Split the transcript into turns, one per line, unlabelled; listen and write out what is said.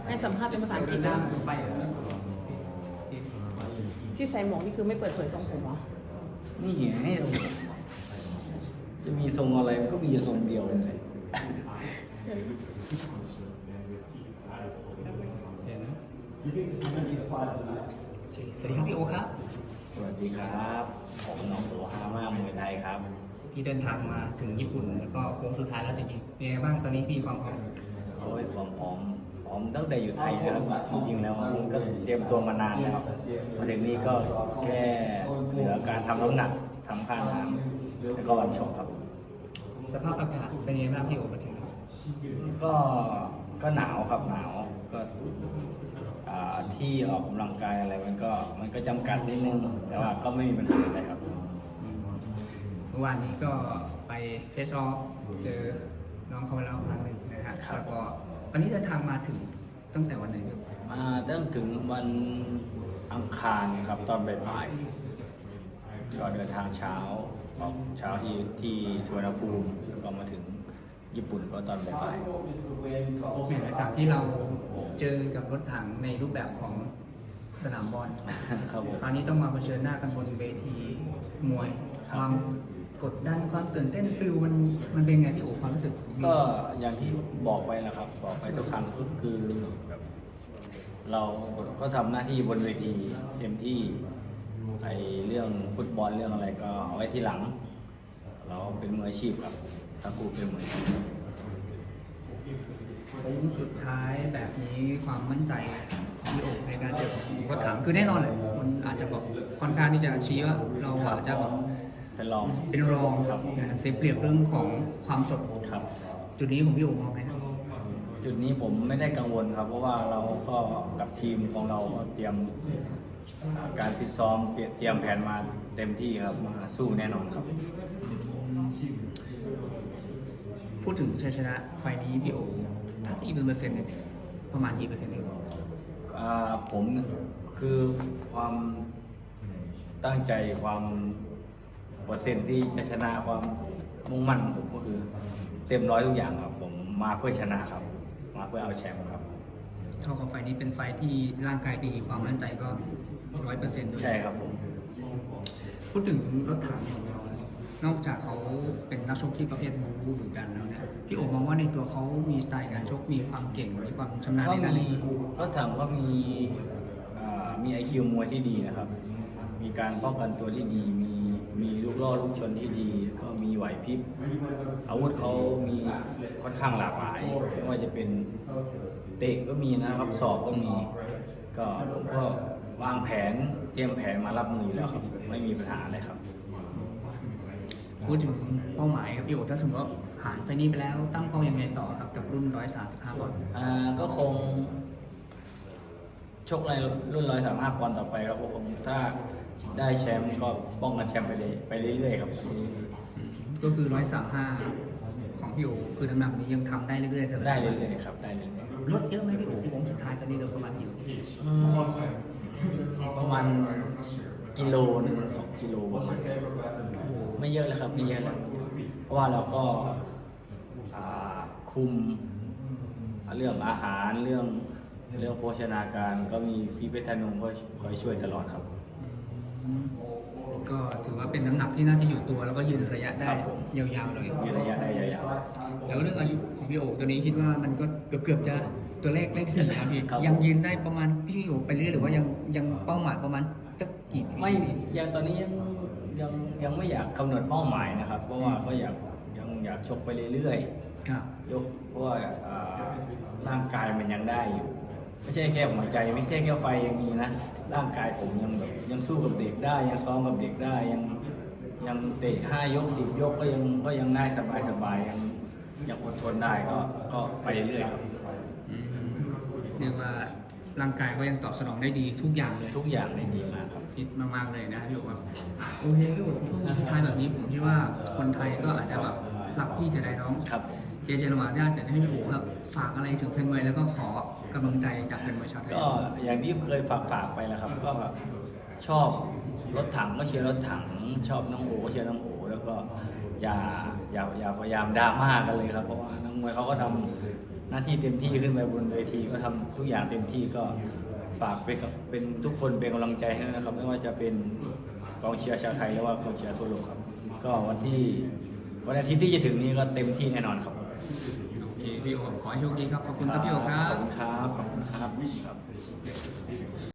ให้สัมภาษณ์เป็นภาษาอังกฤษนะที่ใส่หมวกนี่คือไม่เปิดเผยทรงผมเหรอ
นี่ให้เราจะมีทรงอะไรมันก็มีทรงเดียวเลย
สวัสดีครับพี่โอครับ
สวัสดีครับผมน้องโสฮามามวยไทยครับ
พี่เดินทางมาถึงญี่ปุ่นแล้วก็โค้งสุดท้ายแล้วจริงๆเป็นไงบ้างตอนนี้พี่ความพร้อม
โอ้ยความพร้อมตั้งแต่อยู่ไทยนะครับจริงๆแล้วมันก็เตรียมตัวมานานแล้วมาถึงนี้ก็แค่เหลือการทำน้ำหนักทำค่าน้ำแล้วก็วันชกครับ
สภาพอากาศเป็นไงบ้างพี่โอมาถึง
ก็หนาวครับหนาวก็ที่ออกกำลังกายอะไรมันก็จำกัดนิดนึงแต่ว่าก็ไม่มีปัญหาอะไรครับ
เมื่อวานนี้ก็ไปเฟสออฟเจอน้องเขามาแล้วครั้งหนึ่งนะฮะ
ครับ
แล้วก็วันนี้เดินทางมาถึงตั้งแต่วันไหนครับ
มาตั้งถึงวันอังคารครับตอนบ่ายๆก็เดินทางเช้าออกเช้าที่สุวรรณภูมิแล้วก็มาถึงญี่ปุ่นก็ตอนบ่าย
หลังจากที่เราเจอกับรถถังในรูปแบบของสนามบอล
ๆครับผม
คราวนี้ต้องมาเผชิญหน้ากันบนเวทีมวย
ค
ครับ วามกดดันความตื่นเต้นฟิลมันเป็นไงพี่โอความรู้สึก
ก็อย่างที่บอกไปแหละครับบอกไปทุกครั้งก็คือแบบเราก็ทำหน้าที่บนเวทีเต็มที่ไอเรื่องฟุตบอลเรื่องอะไรก็เอาไว้ที่หลัง เราเป็นมืออาชีพครับทั้งคู่เป็นมืออาชีพ
สุดท้ายแบบนี้ความมั่นใจของพี่โอในการเจอผมก็ถามคือแน่นอนเลยมันอาจจะบอกค่อนข้างที่จะชี้ว่าเราอาจจะแบบ
เป็นรอง
เป็นรอง
ครับ
นะฮะเสียเปรียบเรื่องของความสด
ครับ
จุดนี้ของพี่โอมองไงครับ
จุดนี้ผมไม่ได้กังวลครับ เพราะว่าเราก็กับทีมของเราก็เตรียมการฟิตซ้อมเตรียมแผนมาเต็มที่ครับมาสู้แน่นอนครับ
พูดถึงชัยชนะไฟล์นี้พี่โอถ้าตีเป็นเปอร์เซ็นต์เนี่ยประมาณกี่เปอร์เซ็นต์เอง
ผมคือความตั้งใจความเปอร์เซ็นต์ที่จะชนะความมุ่งมั่นของผมก็คือเต็มร้อยทุกอย่างครับผมมาเพื่อชนะครับ มาเพื่อเอาแชมป์ครับ
เท่ากับไฟล์นี้เป็นไฟล์ที่ร่างกายดีความมั่นใจก็100%ด้วย
ใช่ครับผม
พูดถึงรถถังของเราเนี่ยนอกจากเขาเป็นนักชกที่ประเภทบู๊ดุดันแล้วเนี่ยพี่โอมองว่าในตัวเขามีสไตล์การชกมีความเก่งมีความชำนาญ
ก็
ในด้าน
มี
นี้
รถถังก็มีไอคิวมวยที่ดีนะครับ มีการป้องกันตัวที่ดี มีลูกล่อลูกชนที่ดี ก็มีไหวพริบอาวุธเขามีค่อนข้างหลากหลายไม่ว่าจะเป็นเตะก็มีนะครับศอกก็มี ก็ผมก็วางแผนเตรียมแผนมารับมือแล้วครับ ไม่มีปัญหาเลยครับ
พูดถึงเป้าหมายครับพี่โอถ้าสมมติว่าผ่านไฟล์นี้ไปแล้วตั้งเป้ายังไงต่อครับกับรุ่น135ปอนด์
ก็คงชกในรุ่น135ปอนด์ต่อไปครับก็คงถ้าได้แชมป์ก็ป้องกันแชมป์ไปเรื่อยๆครับ
ก็คือ135ของพี่โอคือน้ำหนักนี้ยังทำได้เรื่อยๆสบายๆ
ได้เรื่อยๆครับได้เรื่อย
ลดเยอะไหมพี่โอโค้งสุดท้ายตอนนี้เราประมาณกี่
ประมาณกิโลหนึ่ง2 กิโลประมาณนี้ไม่เยอะเลยครับไม่เยอะแล้วเพราะว่าเราก็คุมเรื่องอาหารเรื่องโภชนาการก็มีพี่เพชรธนงก็คอยช่วยตลอดครับ
ก็ถือว่าเป็นน้ำหนักที่น่าจะอยู่ตัวแล้วก็ยืนระยะได้
ครับผม
ยาวๆเลย
มีระยะได้ยาว
แล้วเรื่องอายุของพี่โอตัวนี้คิดว่ามันก็เกือบจะตัวเลข4ครับพี่
ครับ
ยังยืนได้ประมาณพี่โอไปเรื่อยหรือว่ายังเป้าหมายประมาณสักกี่ปี
ๆไม่ยังตอนนี้ยังไม่อยากกำหนดเป้าหมายนะครับ เพราะว่าก็อยากชกไปเรื่อยๆ
ครับ
เพราะว่าร่างกายมันยังได้อยู่ไม่ใช่แค่หัวใจไม่ใช่แค่ไฟยังมีนะร่างกายผมยังสู้กับเด็กได้ยังซ้อมกับเด็กได้ยังเตะ5 ยก 10 ยกก็ยังได้สบายยังอดทนได้ก็ไปเรื่อยครับ
เรียกว่าร่างกายก็ยังตอบสนองได้ดีทุกอย่างเลย
ทุกอย่างได้ดีมากครับ
ฟิตมากๆเลยนะพี่โอครับโอเคพี่โอช่วงท้ายแบบนี้ผมคิดว่าคนไทยก็อาจจะแบบรักพี่เสียดายน้อง
ครับ
เจเจระหว่างญาติจะให้พี่โอครับฝากอะไรถึงแฟนมวยแล้วก็ขอกำลังใจจากแฟนมวยชาวไทย
ก็อย่างที่เคยฝากไปแล้วครับก็ชอบรถถังก็เชียร์รถถังชอบน้องโอก็เชียร์น้องโอแล้วก็อย่าพยายามดราม่ากันเลยครับเพราะว่านักมวยเขาก็ทหน้าที่เต็มที่ขึ้นไปบนเวทีก็ทำทุกอย่างเต็มที่ก็ฝากเป็นทุกคนเป็นกำลังใจให้นะครับไม่ว่าจะเป็นกองเชียร์ชาวไทยหรือว่ากองเชียร์ทั่วโลกครับก็วันอาทิตย์ที่จะถึงนี้ก็เต็มที่แน่นอนครับ
โอเคพี่โอขอให้โชคดีครับขอบคุณครับพี่โอครับ
ขอบคุณครับ